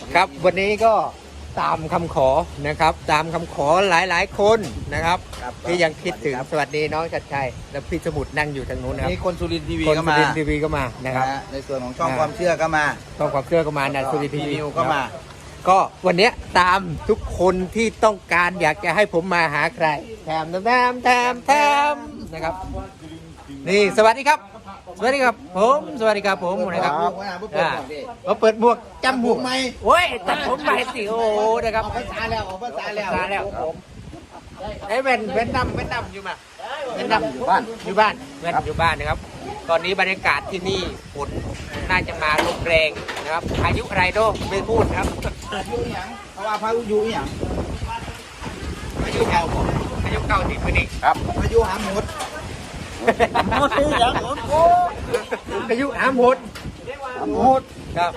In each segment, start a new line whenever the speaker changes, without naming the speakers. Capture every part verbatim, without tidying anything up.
ครับวันนี้ก็ตามคำขอนะครับ ตามคำขอหลายๆคนนะครับที่ยังคิดถึงสวัสดีน้องชัดชัยและพี่สมุทรนั่งอยู่ทางนู้นนะครับ
นี่คนสุรินทร์ทีวี
คน
ก็
สุ
มา
รินทร์ทีวีก็มานะครับ
ในส่วนของช่องความเชื่อก็มา
ช่องความเชื่อก็มานะสุรินทร์ทีวี
นิวก็มา
ก็วันนี้ตามทุกคนที่ต้องการอยากจะให้ผมมาหาใครแถมแถมแถมแถมนะครับนี่สวัสดีครับ สวัสดีครับผมสวัสดีครับผมนะครับอ่ามาเปิดหมวกจำหมวกไหมโอ้ยตัดผมใหม่สิโอ้โหนะครับ
ออกภาษาแล้วออกภาษาแล้ว
ภาษาแล้วไอ้เวนเวนดำเวนดำอยู่มาเวนดำอยู่บ้านอยู่บ้านเวนอยู่บ้านนะครับ ตอนนี้บรรยากาศที่นี่ฝนน่าจะมาลมแรงนะครับอายุอะไรโดไม่พูดครับ
อายุหยังเพราะว่าพายุหยัง
อายุเก่าบอกอายุเก่าที่คนนี้
ครับพายุหาหมดหมดหยังหมดโอ้
อายุหามหด
หมด
ครับ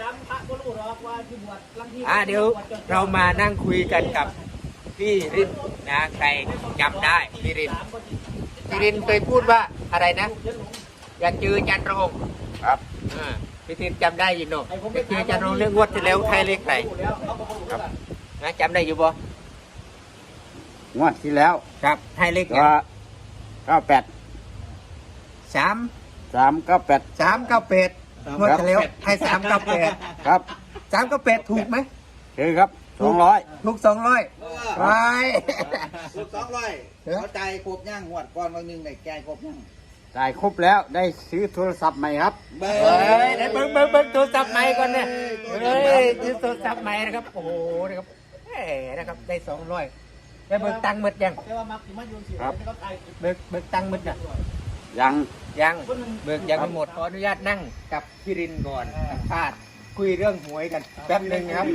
อ่าเดี๋ยวเรามานั่งคุยกันกับพี่รินนะใครจำได้พี่รินพี่รินเคยพูดว่าอะไรนะอยากเจอจันทร์รง
ครับ
อ่าพี่รินจำได้อยู่เนอะอยากเจอจันทร์รงเรื่องงวดที่แล้วไทยเลขไหนครับนะจำได้อยู่บ่
งวดที่แล้ว
ครับไทยเลข
ก็เก้าแปด
สาม
สามเก้าแปด
สามเก้าแปดงวดที่แล้วไทยสามเก้าแปด
ครับ
สามเก้าแปดถูกไหม
คือครับสองร้อย
ถูกสองร้อยไป
สุดสองร้อยเขาใจครบย่างหวดก่อนวันหนึ่งในแกงครบย่าง
จ่ายครบแล้วได้ซื้อโทรศัพท์ใหม่ครับ
เบ้
เฮ้ยเดี๋ยวเบิ้งเบิ้งเบิ้งโทรศัพท์ใหม่ก่อนเนี่ยเฮ้ยซื้อโทรศัพท์ใหม่นะครับโอ้โหนะครับเฮ้นะครับได้สองร้อยได้เบิกตังค์หมดยัง
ครับ
เบิกเบิกตังค์หมดยัง
ยัง
ยังเบิกยังไม่หมดขออนุญาตนั่งกับพี่รินก่อนสัมภาษณ์คุยเรื่องหวยกันแป๊บหนึ่งครับ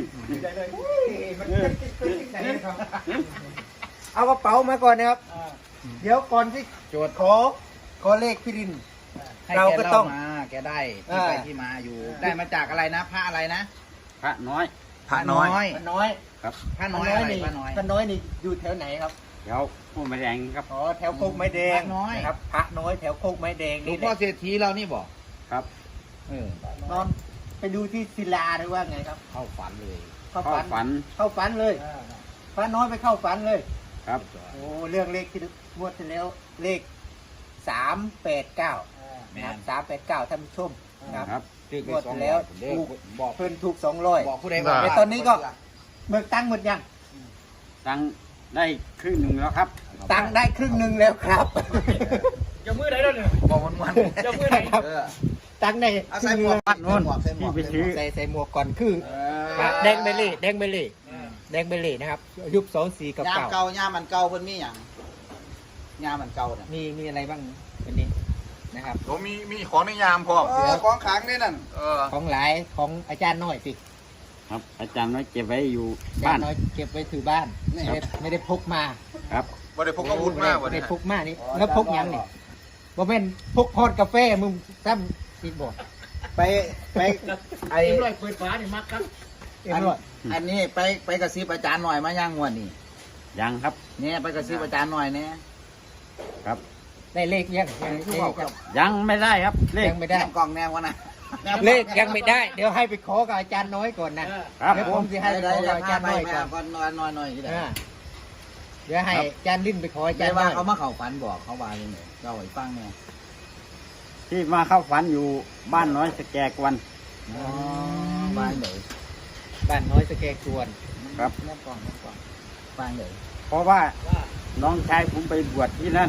เอากระเป๋ามาก่อนนะครับเดี๋ยวก่อนที่โจทย์ขอขอเลขพี่ริน เราก็ต้อง
มาแกได้ที่ไปที่มาอยู่ ได้มาจากอะไรนะพระอะไรนะ
พระน้อย
พระน้อย
พระน้อย
ครับ
พระน้อยอะไร
นี่
พระน้อย
พระน้อยนี่อยู่แถวไหนครับ
เดี๋ยวผู้มาแดงครับ
อ๋อแถวโคกไม้แดง
พระน้อย
นะครับพระน้อยแถวโคกไม้แดง
หลว
นี่
ง
แห
พ่อ
ละ
เศรษฐีเรานี่บอก
ครับ
เออน
อนไปดูที่ศิลาหรือว่าไงครับ
เข้าฝันเลย
เข้า
เข้า
ฝัน
ฝัน
เข้าฝันเลยพระน้อยไปเข้าฝันเลย
ครับ
โอ้เรื่องเลขที่งวดที่แล้วเลขสามแปดเก้านะครับสามแปดเก้าท่านผู้ชมนะครับ
ครับ
งวดที่แล้วถูก
บอก
เพิ่นถูกสองร้อย
บอกผู้ใดว่า
แต่ตอนนี้ก็เบิกตังค์หมดยัง
ตังค์ได้ครึ่งหนึ่งแล้วครับ
ตังค์ได้ครึ่งหนึ่งแล้วครับ
จะมือไหนแล้วเนี่ยบอกมันมันจะมือไหน
ครับ
เออ
ตังค์ได้
เอา
ค
ใส่
รึ่ง
ห
ห
ม
นึ่
ว
ง
กใส่หมวกใส่หมวก
ที่ไปซื้อ
ใส่ใส่หมวกก่อนคือ
เอ
ครับ
อ
แดงเบลลี่แดงเบลลี่แดงเบลลี่นะครับ ยุคสองสี่กับ
ยาม
เก่า
เก่ายามมันเก่าเพิ่นมีหยังยามมันเก่าเนี่ย
มีมีอะไรบ้างวันนี้นะครับ
ผมมีมีของในยามพร้อม
เออของขลังนี่นั่น
เออ
ของหลายของอาจารย์น้อยสิ
ครับ อาจารย์น้อยเก็บไว้อยู่
อาจา
บ้าร น
ย์น้อยเก็บไว้ถือบ้านไม่ได้ไม่ได้พกมา
ครับ
บ่ได้พกอาวุธมาก
ไม่
วัน
ได้
นี้
พกมานี่แล้วพกหยังนี่บ่แม่นพกพอดกาแฟมึงซ้ำอีกบ่
ไปไปไอ
เอ็มร้อยเปิดฟ้านี่มักครับเอ็ม
อัน
ร้อย
อันนี้ไปไปกระซิบอาจารย์หน่อยมาย่างงวดนี่
ยังครับ
เนี่ยไปกระซิบอาจารย์หน่อยเนี่ย
ครับ
ได้เลขยังยังเลขยัง
ยังไม่ได้ครับ เลข
ยังไม่ได้
แนบกล่องแนววะนะ
เลขยังไม่ได้ เดี๋ยวให้ไปขอกับอาจารย์น้อยก่อนนะครับ เดี๋ยว
ผ
ผม มจะให้ไป
ได้
ขอ
ได้
กับอาจารย์น้อยก่อน
ก่อนนอนนอนหน่อยที่ไหน
อ่าเดี๋ยวให้อาจารย์ลิ้นไปขออาจา
ใจ
รย์น้
ว่า
อย
เขามาเข่าฝันบอกเขาว่าอย่างไรเราไอ้ฟังเนี่ย
ที่มาเข้าฝันอยู่บ้านน้อยสแกกวัน
อ๋อฟังเดี๋ยว
บ้านน้อยสแกกวน
ครับ
แนบกล่องแนบกล่องฟังเดี๋ยว
เพราะว่าน้องชายผมไปบวชที่นั่น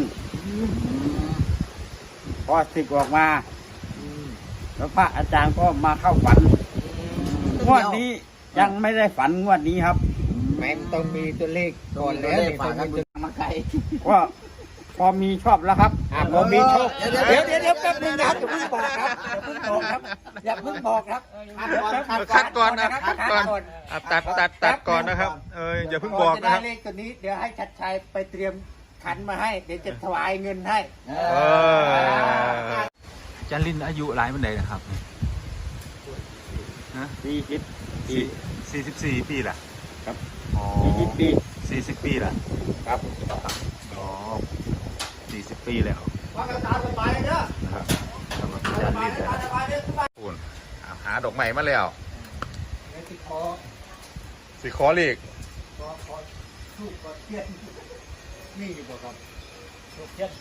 พอศึกออกมา แล้วพระอาจารย์ก็มาเข้าฝัน งวดนี้ยังไม่ได้ฝันงวดนี้ครับ
แม่ต้องมีตัวเลขก่อนแล้ว
เล
นี่
ฝา
ต้อก ง
กัน
มี
บุญมาไกล
ว่าพอมีชอบแล้วครับ
อ่าผมมีโชค
เดี๋
เดี๋ย
ยว ว
เดี๋ยวเดี๋ยวแป๊บนึงนะครับอย่าเพิ่งบอกครับอย่าเพิ่งบอกครับอย่าเพิ่งบอกครับ
คัดก่อนนะคัดก่อน
คัด
อ่ะตัดตัดตัดก่อนนะครับ เอออย่าเพิ่งบอก
จะ
นะ
ได้
ครับ
เลขตัวนี้เดี๋ยวให้ชัดชัยไปเตรียมขันมาให้ เดี๋ยวจะถวายเงินให้
เอ
เอ
อ
อ
จันลินอายุหลายมันใดนะครับ
สี่สิบปี
สี่สิบสี่ปีละ
ครับ
อ๋อ
สี่สิบปี
สี่สิบปีละ
ครับ
อ๋อสี่สิบปีแล้ว
ว่ากันตามสบายเด้อ
นะครับสำหรับจันลินนะ
คุณอ่ะหาดอกไม้มาแล้ว
เดี๋ยวสิขอ
สิขอเลข
ขอขอลูกขอเทียนนี่อยู่บ่ครับลูกเทียน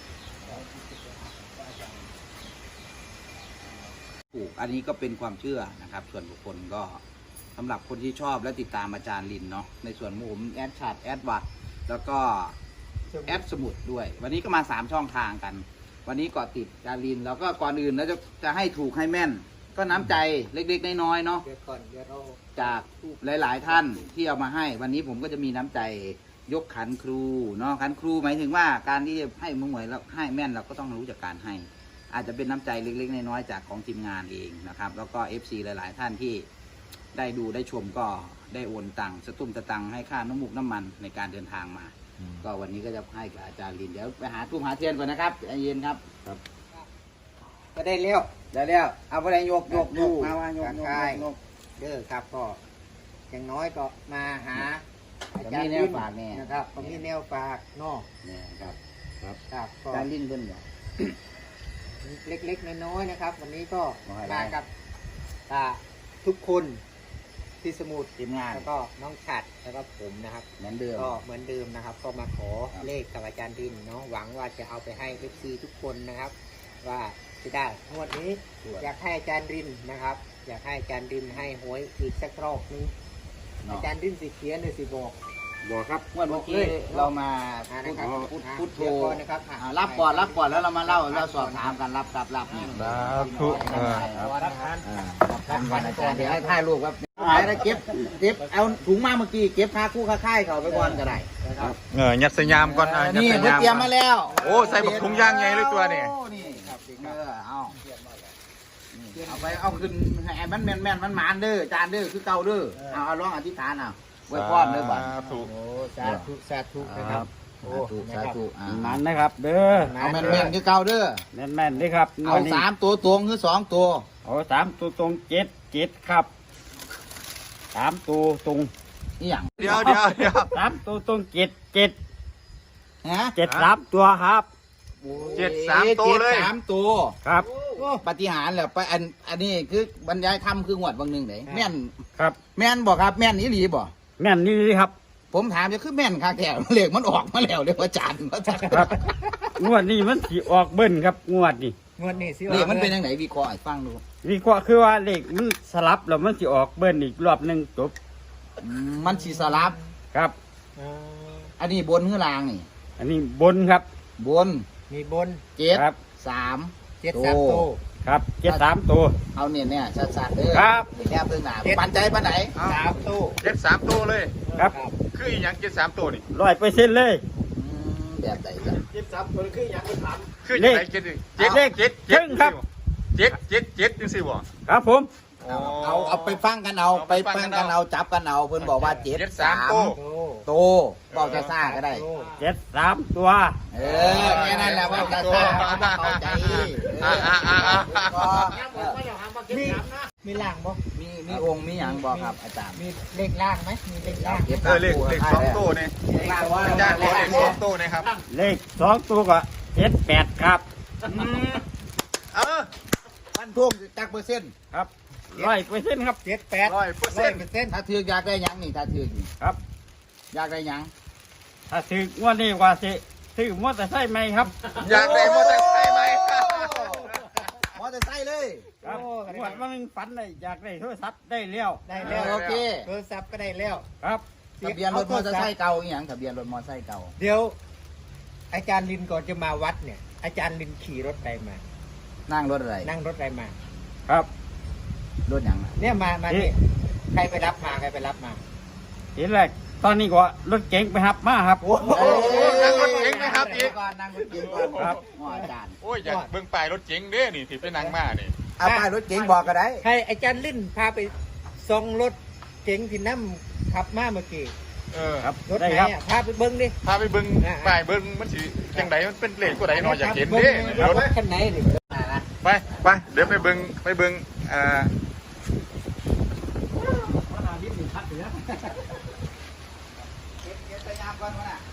ถูกอันนี้ก็เป็นความเชื่อนะครับ ส่วนบุคคลก็สำหรับคนที่ชอบและติดตามอาจารย์ลินเนาะในส่วนผมแอดชาร์ตแอดวัดแล้วก็แอดสมุดด้วย วันนี้ก็มาสามช่องทางกัน วันนี้เกาะติดอาจารย์ลินแล้วก็ก่อนอื่นแล้วจะจะให้ถูกให้แม่น ก็น้ำใจเล็กๆน้อยๆเนาะ
เดี๋ยวก่อนเดี๋ยวเรา
จากหลายๆท่านที่เอามาให้ วันนี้ผมก็จะมีน้ำใจยกขันครูเนาะขันครูหมายถึงว่าการที่จะให้มือหวยแล้วให้แม่นเราก็ต้องรู้จักการให้ อาจจะเป็นน้ำใจเล็กๆน้อยๆจากของทีมงานเองนะครับ แล้วก็ เอฟ ซี หลายๆท่านที่ได้ดูได้ชมก็ได้โอนตังค์สตุ้มตะตังให้ค่าน้ำมูกน้ำมันในการเดินทางมา ก็วันนี้ก็จะให้กับอาจารย์ลินเดี๋ยวไปหาทุ่มหาเทียนก่อนนะครับใจเย็นครับ
ก็ได้เลี้ยว
เดี๋ยวเดี๋ยวเอาไปเลยยกยกยกมาว่ายก
ก
ยก
กาย
ยก
เด้อครับก็อย่างน้อยก็มาหาอา
จะ
จาร
มี
ย์
แน
ลิ
วน ฝากแน่
นะครับก็มีแนวฝากเนาะ
เนี่ยครับ
ครับก็
อาจารย์ลินเพิ่นบอก
เล็กๆน้อยๆนะครับ วันนี้ก็
มาให้
มา
ได้
กับอ่าทุกคนที่สมุทร
ทีมงาน
แล้วก็น้องฉัดแล้วก็ผมนะครับ
เหมือนเดิม
ก็เหมือนเดิมนะครับ ก็มาขอ
ครับ
เลขกับอาจารย์ดินเนาะหวังว่าจะเอาไปให้ เอฟ ซี ทุกคนนะครับ ว่าจะได้งวดนี้ อยากให้อาจารย์ดินนะครับ อยากให้อาจารย์ดินให้หวยอีกสักรอบนึง
เนาะ
อาจารย์ดินสิเขียนหรือสิบอก
บอกครับเมื่อกี้เรามา
อ่า
พู
นะ
ด
ครับ
พูด
อ่า
พูดโทร
เดี๋ยวก่อนนะครับอ่ะ
อ่ารับก่อนรับก่อนแล้วเรามาเล่าเราสอบถามกันรับรับรับนี่
สาธุเออ
รับทาน
อ่ารับกันวันอาจารย์เดี๋ยวให้ถ่ายรูปครับหายแล้วเก็บเก็บเอาถุงมาเมื่อกี้เก็บค่าคู่ค่าค่ายเขาไปก่อนก็ได้
นะครับ
เออยัดสยามก่อนอ่ะยัด
นี่
ส
เพิ่ง
ยาม
เตรียมมาแล้ว
โอ้ใส่บักถุงยางใหญ่เลยตัวนี่
โอ้นี่ครับเออเอานี่เอาไปเอาขึ้นให้มันแม่นแม่นมันหมานเด้อจานเด้อคือเก่าเด้อเอาเอาลองอธิษฐานเอาไว้พรเด้อบัด
สาธุ
โอ้สาธุสาธุนะครับ โอ้
สาธุสาธุอ่า
มันนะครับ เด้อ
เอาแม่นแม่นคือเก่าเด้อ
แม่นแม่นๆเลยครับ
เอาสามตัวตรงหรือสองตัว
เอาสามตัวตรงเจ็ดเจ็ดครับสามตัวตรง
นี่อย่าง
เดี๋ยวเดี๋ยวเดี๋ยว
สามตัวตรงเจ็ดเจ็ด
ฮะ
เจ็ดสามตัวครับ
เจ็ดสามตัวเลย
จ็ดสามตัว
ครับ
ปฏิหารย์แหละไปอันอันนี้คือบรรยายธรรมคืองวดบางหนึ่งไหนแม่น
ครับ
แม่นบอกครับแม่นอีหลีบ่
แม่นนี่ครับ
ผมถามจะคือแม่นค่ะแก่เลขมันออกมาแล้วเรียกว่าจานว่าจาน
ครับ งวดนี้มันสีออกเบิ้ลครับงวดนี้
งวดนี้สิ
เลขมันเป็นยังไงวิเคราะห์ให้ฟังดู
วิเคราะห์คือว่าเลขมันสลับแล้วมันสีออกเบิ้ลอีกรอบหนึ่งจบ
อืมมันสีสลับ
ครับ
อ่า
อันนี้บนคือลางนี่
อันนี้บนครับ
บน
มีบน
เจ็ด
ครับ
สาม
เจ็ดสามโต
ครับเจ็ดสามตัว
เอาเนี่ยเนี่ยชัดๆเด้อ
ครับ
แก้เพิ่งหนาปันใจปันไหน
สามโต
เจ็ดสามตัวเลย
ครับ
คืออีหยังเจ็ดสามตัวนี่
ร้อยเปอร์เซ็นต์เลย
อืมแบบไหนล่ะ
คือยังไงเจ็ด
เลข
เจ็ดเจ็ด
เลข
เจ็ด
ครึ่งครับ
เจ็ดเจ็ดเจ็ดจังสิบ่
ครับผม
เอาเอาเอาไปฟังกันเอา
เอา
ไป
ไปฟั
ฟั
ง
ง
กั
กัน น
เอา
เอาจับกันเอาเพิ่นบอกว่าเจ็ด
เจ็ด
สา
สาม
ม
ตัว
โต
โตบอกจะซ่าก็ได้
โต
เจ็ดสามตัว
เออแค่นั้นแหละว่าจะซ่าเข้าใจเอ
อ่า
อ
อ่าอ่าอ่า
ก็เออ
มีมีล่างบ่
มีมีองค์มีหยังบอกครับอาจารย์
มีเลขล่างไหมมีเลขล่าง
ก็บ
เออเลขเลขสองตัวนี่
ล่างว่า
อาจารย์ขอเลขสองตัวนี่ครับ
เลขสองตัวก็เจ็ดแปดครับ
เออ
พันทุ่งจักเปอร์เซ็นต์
ครับร้อยเปอร์เซ็นต์ครับ
เจ็ดแปด
ร้อยเปอร์
ร้
เซ็
อย
นต์
เปอร์เซ็นต์
ถ้าถือกอยากได้หยังนี่ถ้าถือกนี่
ครับ
อยากได้หยัง
ถ้าซื้องวดนี้ว่าสิซื้อมอเตอร์ไซค์ไหมครับ
อยากได้มอเตอร์ไซค์ไหม
มอเตอร์ไซค์เลย
ครับงวดว่ามันฝันเลยอยากได้โทรศัพท์ได้แล้ว
ได้แล้ว
โอเค
โทรศัพท์ก็ได้แล้ว
ครับ
ทะเบียนรถมอเตอร์ไซค์เก่าอหย่างทะเบียนรถมอเตอร์ไซค์เก่า
เดี๋ยว อาจารย์ลินก่อนจะมาวัดเนี่ย อาจารย์ลินขี่รถไปมา
นั่งรถอะไร
นั่งรถไปมา
ครับ
รถหยังอะ
เนี่ยมามา
เอ๊ะ
นี่ใครไปรับมาใครไปรับมา
ทีแรกตอนนี้ก็รถเก๋งไปหับมาครับ
โอ้โห
นั่งรถเก๋งไหมครับอีก
ก่อนนั่งรถเก๋งก่อน
ครับ
อ๋ออาจารย์
โอ้ยอยากเบิ่งป้ายรถเก๋งเด้นี่ที่ไปนั่งมานี่
เอาป้ายรถเก๋งบอกก็ได้
ใครอาจารย์ลินพาไปส่องรถเก๋งที่นั่ขับมาเมื่อกี้
เออ
ครับ
รถ
ได้
ไหน
ครับ
อ่ะพาไปเบิ้งดิ
พาไปเบิ่ง
อ่า
ป้ายเบิ่งมันสิจังไดมันเป็นเลขตัวใดเนาะอยากเห็นเด้
ร
ร
ถ
ถ
คันไหนดิ
ไปไปเดี๋ยวไปเบิ่งไปเบิ่งอ่า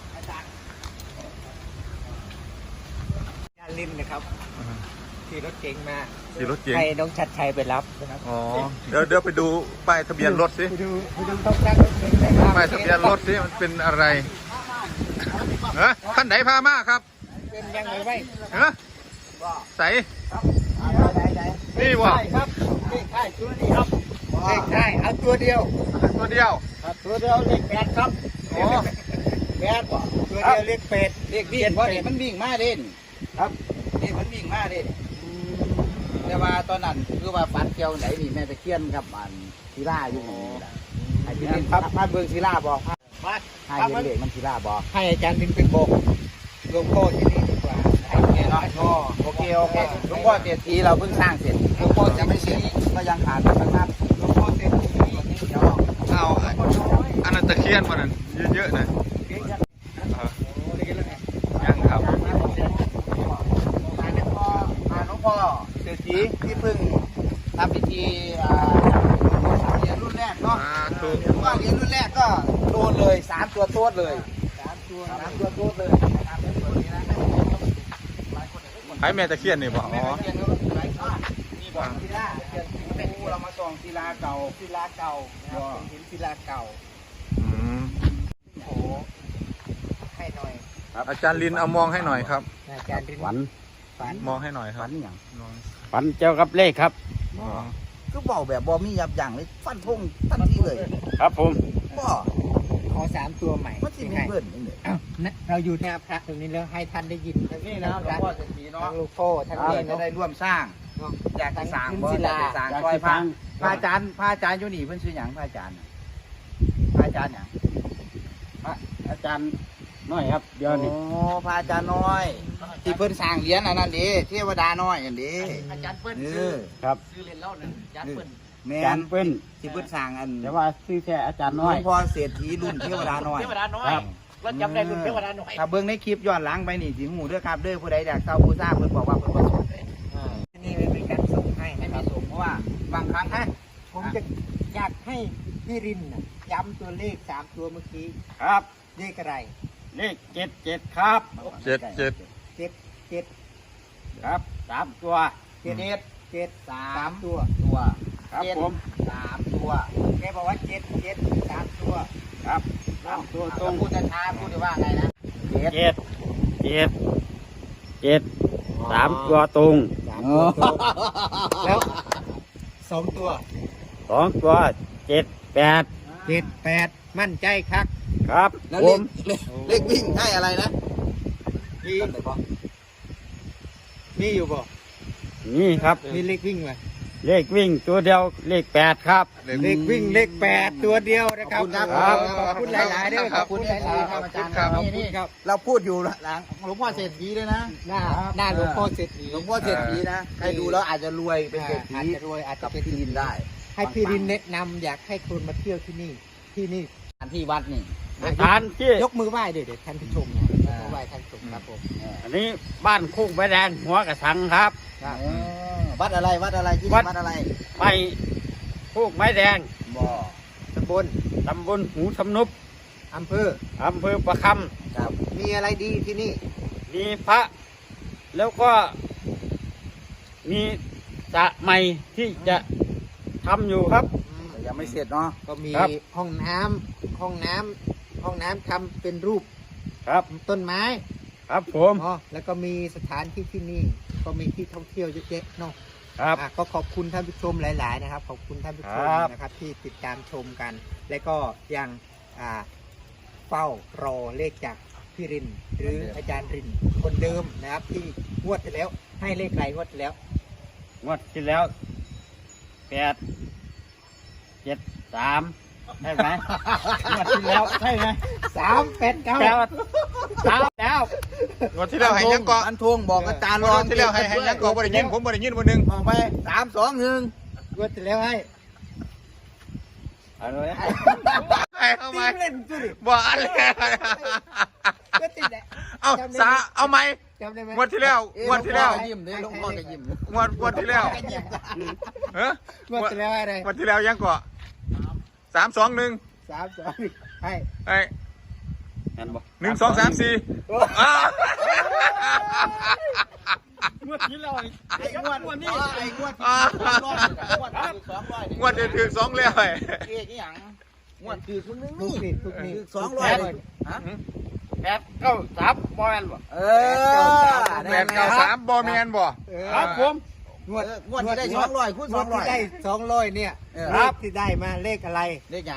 อาจารย์ลินนะครับขี่รถเก๋งมา
ขี่รถเก๋ง
ให้น้องชัดชัยไปรับนะครับ
อ๋อเดี๋ยวเดี๋ยวไปดูป้ายทะเบียนรถสิ
ไปดูไปดูต้องตั้งรถเก๋งเลยครับ
ป้ายทะเบียนรถสิมันเป็นอะไรเฮ้ขั้นไหนพามาครับ
เป็นยังไงไว้
เฮ้ใส่นี่วะ
ใช่ครับเลขท้ายตัวนี้ครับเลขท้ายเอาตัวเดียว
ตัวเดียว
ครับตัวเดียวเลขแปดครับ
อ๋อ
แปดบ่ตัวเดียวเลขแปด
เลขวิ่งเพราะนี่มันวิ่งมาเด่นครับนี่มันวิ่งมาเด่นแต่ว่าตอนนั้นคือว่าฟันเกี่ยวไหนนี่แม่ตะเคียนกับอันศิลาอยู่นี่แหละไอ้ที่นี่ครับมาเบิ่งศิลาบอก
มา
ให้เห็นเลขมันศิลาบอก
ให้อาจารย์ดึงเป็นบอกหลวงพ่อที่นี่ดีกว่าให้
โอเค
แน่นอ
เนาะ
น
โอเคโอเคหลวงพ่อเศรษฐีเราเพิ่งสร้างเสร็จหลวงพ่อจะไม่เสร็จก็ยังขาดนะครับ
หลวงพ่อเต็มที่
เดี๋ยว
เอาอันนั้นตะเคียนมันนั้นเยอะๆนะเออยังครับ
หลวงพ่อหลวงพ่อเศรษฐีที่เพิ่งทำพิธีอ่าเหรียญรุ่นแรกเนาะ
อ่าถูก
เดี๋ยวว่าเหรียญรุ่นแรกก็โดนเลยสามตัวโต๊ดเลยสามตัวสามตัวโต๊ดเลยนะครับเป็นตัวนี้นะ
ให้แม่ตะเคียนนี่บอก
แม่
อ๋อ
ตะเคียนก็หลายก้อนนี่บอกศิลาเป็นผู้เรามาส่องศิลาเก่า
ศิลาเก่านะครับเป็นหินศิลาเก่า
อืม
โอ้ให้หน่อย
อาจารย์ลินเอามองให้หน่อยครับ
อาจารย์ดิน
ฝัน
ฝัน
มองให้หน่อยครับ
ฝันอย่าง
มอง
ฝันเจ้ากับเลขครับ
อ๋อ
ก็บอกแบบบอมียับยั้งเลยฟันธงทันทีเลย
ครับผม
บ่
ขอสามตัวใหม่
มันสิมี
ให้
เบิ้ลนี่เลย
อ้าวนะเราอยู่หน้าพระตรงนี้แล้วให้ท่านได้ยิน
นี่นะหลวงพ่อเศรษฐีเนาะ
ทั้งลูกพ่อทั้ง
เรา
นี่
จะ
เนาะ
ได้ร่วมสร้าง
เนาะ
อยากจะสร้าง
ทั้ง
บ่
ศิ
อ
ลา
ยากจะสร้าง
อยาก
ซอย
จะ
พ
ส
ระ
ร้าง
พระอาจารย์พระอาจารย์อยู่นี่เพิ่นชื่อหยังพระอาจารย์น่ะพระอาจารย์หยัง
พระอาจารย์น้อยครับเดี๋ยวนี้
โอ้พระอาจารย์น้อย ที่เพิ่นสร้างเหรียญอันนั้นเด้เทวดาน้อยอันเด้
อาจารย์เปิ้ล
เอ
ซื้อ
อ
ครับ
ซื้อเรียนเล่านะอาจารย์เปิ้ล
แม่
อาจาร
น
ย์เปิ้น
ที่เพิ่นสร้างอัน
แต่ว่าชื่อแค่อาจารย์
หล
น้อ
วย งพ่อเศรษฐีรุ่นเทวดาน้อย
เทวดาน้อย
ครับ
เราจำได้รุ่นเทวดาน้อย
ถ้าเบิ่งในคลิปย้อนหลังไปนี่สิหูเด้อครับเด้อผู้ใดอยากเช่าผู้สร้างเพิ่นบอกว่าเพิ่นบ่สนเลย
อ่านี่เป็นการส่งให้
ให้
นะค
มี
รับ
สูงเพราะว่าบางครั้ง
อ่ะผมจะอยากให้พี่รินน่ะย้ำตัวเลขสามตัวเมื่อกี้
ครับ
เลขอะไร
เลขเจ็ดเจ็ดครับ
เจ็ดเจ็ด
เจ็ดเจ็ด
ครับสามตัว
เจ็ดเจ็ดสามตัว
ตัว
ครับ
เจ็ด
ผม
สามตัว
แกบอกว่าเจ็ดเจ็ดสามตัว
ครับสามตัวตร
ต้อง
ง
พูดช้าๆพูดได้ว่าไงนะเจ็ด
เจ็ดเจ็ดเจ็ดสามตัวตรง
สามตัวตรงแล้วสองตัว
สองตัวเจ็ดแปด
เจ็ดแปดมั่นใจครับ
ครับ
แล้ว
ผ
เล
ม
ขเลขเลขวิ่งให้อะไรนะ
มีมีอยู่บ่
นี่ครับ
มีเลขวิ่งไหม
เลขวิ่งตัวเดียวเลขแปดครับ
เลขวิ่งเลขแปดตัวเดียวนะครับ
ครับ
ขอบคุณหลายๆด้วยขอบคุณหลายๆครับอาจารย์ครับนี่นี่ครับ
เราพูดอยู่หลังหลวงพ่อเศรษฐีเลยนะ
หน้าหน้าหลวงพ่อเศรษฐี
หลวงพ่อเศรษฐีนะใครดูแล้วอาจจะรวยเป็นเศรษฐี
อาจจะรวยอาจจะ
กับ
เป็น
ที่ดินได้
ให้พี่รินแนะนำอยากให้คนมาเที่ยวที่นี่ ที่นี่
อันที่วัดนี่
สถานที่
ยกมือไหว้เดี๋ยวเดี๋ยวท่านผู้ชมนะยกมือไหว้ท่านผู้ชมครับผม
อันนี้บ้านคุกใบแดงหัวกระสังครับ
อ๋อวัดอะไรวัดอะไรที่
วั
นี่
ด
วัดอะไร
ไปคุกไม้แดง
บ่อ
ตำบล
ตำบลหูสำนุบ
อำเภอ
อำเภอประค
ครับ
มีอะไรดีที่นี่
ำมีพระ แล้วก็มีสระใหม่ที่จะทำอยู่ครับ
แต่ยังไม่เสร็จเนาะ
ก็มี
ครับ
ห้องน้ำห้องน้ำห้องน้ำทำเป็นรูป
ครับ
ต้นไม้
ครับผม
อ๋อแล้วก็มีสถานที่ที่นี่ ก็มีที่ท่องเที่ยวเยอะแยะเนาะ
ครับ
อ่ะก็ขอบคุณท่านผู้ชมหลาย ๆ นะครับ ขอบคุณท่านผู้ชม
ครับ
นะครับ ที่ติดตามชมกัน และก็ยังอ่าเฝ้ารอเลขจากพี่ริน หรืออาจารย์รินคนเดิมนะครับ ที่งวดที่แล้ว ให้เลขไรงวดที่แล้ว
งวดที่แล้วแปดเจ็ดสามใช่ไหมงวดที่แล้วใช่ไหม
สามแปดเก้า
แปดสามแล้ว
งวดที่แล้วให้ยังเกาะ
อันทวงบอกอาจารย์
งวดที่แล้วให้ให้ยังเกาะบ่ได้ยินผมบ่ได้ยินบ่หนึง
ออกไปสามสองหนึ่ง
งวดที่แล้วให้
เอาเลย
ให้เอาไหม
ตีเล่นจุดิ
บ่อันเลย
ก็ติดแหละ
เอาสาเอาไหม
จำได้ไหม
งวดที่แล้วงวดที่แล้ว
ยิ้มดิหลวงพ่อก็ยิ้ม
งวดงวดที่แล้วเฮ้ย
งวดที่แล้วให้อะไร
งวดที่แล้วยังเกาะสามสองหนึ่ง
สามสองให้
ไอ้
งั้นบอก
หนึ่งสองสามสี่อ้าว
งวดที่เรา
ไอ้งวด
งวด
นี่
นี้
ไอ้งวดที่สองร้อยงวดที่สองร้อย
งวดเดือนถึงสองเลย
เอกอีหยังงวดคือคุณนึง
ทุก
นี่
นี่ทุกนี่
สองร้อยฮะ
แปดเก้าสามบอลบ่
เออ
แปดเก้าสามบอแมนบ่
เออ
ครับผม
งวด
งวดที่ได้สองร้อยคูณ
ง
ส
ว
อ
ด
งร้อย
ที่ได้สองร้อยเนี่ย
เออ
เลขที่ได้มาเลขอะไร
เลขหยัง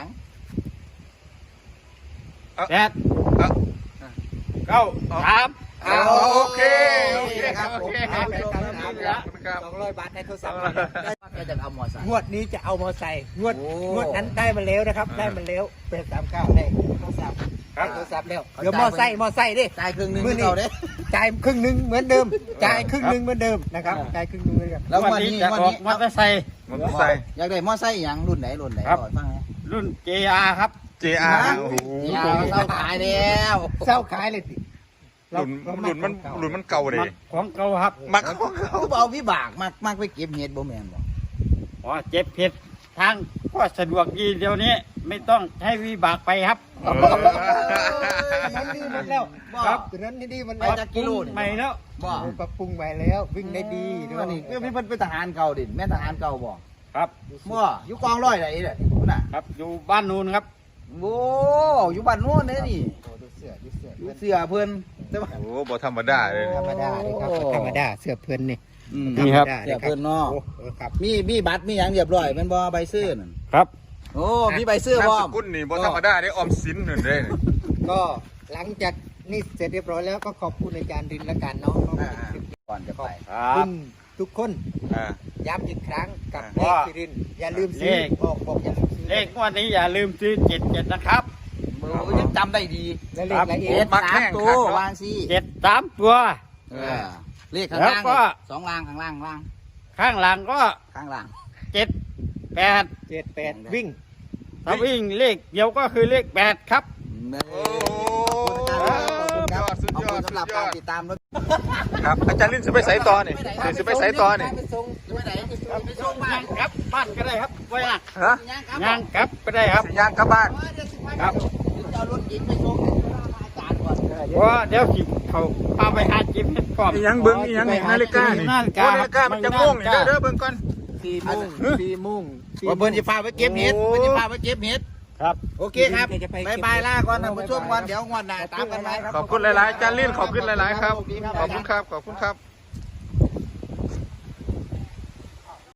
แปดเก้าสาม
อ่าโอเคโอเค
ครับ
โอ
ผม
เค
เอา
ค
ไป
รับ
ลง
ค
น้ำ
รับ
นี่
ครับ
สองร้อยบาทในโทรศัพท์
ก็จะเอาหมอใส่
งวดนี้จะเอามอไซค์งวด
โอ้
งวดนั้นได้มาแล้วนะครับ ได้มาแล้วเป็นสามเก้าได้โทรศัพท์ได้โทรศัพท์แล้วเดี๋ยวมอไซค์มอไซค์ดิ
จ่ายครึ่งหนึง
มื้อนี้
เราเด้
จ่ายครึ่งหนึ่งเหมือนเดิมจ่ายครึ่งหนึ่งเหมือนเดิมนะครับจ่ายครึ่งหนึ่งเหมือนเดิม
แล้ว
วัน
วัน
นี้
นี้
จะ
วัน
ออก
นี้
มอเตอร์ไซค์
มันใส่
อยากได้มอไซค์หยังรุ่นไหนรุ่นไหน
ครับ
ก่อนฟังไหม
รุ่น เจ อาร์ ครับ
เจ อาร์ โอ้โห
อย่าเราขายแล้ว
เศร้าขายเลยสิ
หลุนหลุนมันหลุนมันเก่าเลย
มักของเก่าครับ
มักของเขา
คือเอาวิบากมากมากไปเก็บเห็ดบ่แม่นบ่
อ๋อเจ็บเผ็ดทางก็สะดวกดีเดี๋ยวนี้ ไม่ต้องใช้วิบากไปครับ
เออ
นั้นดีหมดแล้ว
ครับ
ตัวนั้นนี่ดีหมัน
ไป
แล้ว
จากกิโลนี่
ใหม่แล้ว
บ่
ปรับปรุงใหม่แล้ววิ่งได้ดีด้ว
อั
ย
นนี้เพื่อนเพิ่นเป็นทหารเก่าดิแม่นทหารเก่าบ่
ครับ
บ่อยู่กองร้อยไหนเด้อคุณน่ะ
ครับอยู่บ้านนูนครับ
โอ้อยู่บ้านโน้นเด้อนี่
โอ้ดูเสื้อดูเสื้อ
อยู่เสื้อเพิ่นแต่ว่า
โอ้บ่ธรรมดาเลย
ธรรมดาเลยครับ
โอ้
ธรรมดาเสื้อเพื่อนนี่
อืม
นี่ครับ
ธมดา
เสื้อเพิ่นเนาะ
โอ้เออครับ
มีมีบัตรมีหยังเรียบร้อยแม่นบ่ใบซื้อนั่น
ครับ
โอ้มีใบซื้อบ่
นามสกุลนี่บ่ธรรมดาได้ออมสินหนึ่งได้นี่
ก็หลังจากนี่เสร็จเรียบร้อยแล้วก็ขอบคุณอาจารย์รินและการน้องก็
อ่าก่อนจะไป
ค
ข
รั
อบคุ
บ
ณทุกคน
อ่า
ย้ำอีกครั้งกับเล
ว่า
ขที่รินอย่าลืมซื้อ
เลข
บอกบอกอย่าลืมซื้อ
เลขงวันนี้อย่าลืมซื้อเจ็ดเจ็ดนะครับ
โอ้ยังจำได้ดี
และเลขละเอี
เจ็
ย
ด
ด
สามตัววางสิ
เจ็ดสามตัว
เออเลขข้าง
แล้ว
ล่าง
ก็
สองล่างข้างล่างล่าง
ข้างหลังก็
ข้างล่าง
เจ็ดแปด
เจ็ดแปดวิ่ง
ถ้าวิ่งเลขเดียวก็คือเลขแปดครับ
โอ้
ขอบคุณครับ
สุด
ขอบ
ยอ
คุ
ด
ณ
สุ
สำหรับ
ดย
กา
อ
ร
ด
ติดตามรถ
ครับอาจารย์ลินสิไปไสต่อนี่เดี๋ยวสิไปไสต่อนี่
ไปส่ง
ไปไหนไปส่งบ้า
ย่าน งกลับบ้านก็ได้ครับไว้นะ
ฮะ
ย่างครับ
ย่างกลับก็ได้ครับ
สิย่างกลับบ้าน
ครับ
จะเอารถเก๋งไปส่งอาจารย์ก่อน
เพราะเดี๋ยวสิเขาพาไปหาจิมให้พร้อม
อีหยังเบิ่งอีหยังนี่นาฬิกานี่
นาฬิกา
โอ้นาฬิกามันจะม่วงนี่เด้อเด้อเบิ่งก่อน
สี่โมงสี่โมงสี่โม
ว่าเพิ่นจะพาไปเก็บเห็ดเพิ่นจะพาไปเก็บเห็ด
ครับ
โอเคครับบายบายลาก่อนนะผู้ชมก่อนเดี๋ยวงวดหน้าตามกันไหมครับ
ขอบคุณหลายๆอาจารย์ลินขอบคุณหลายๆครับ ขอบคุณครับ ขอบคุณครับ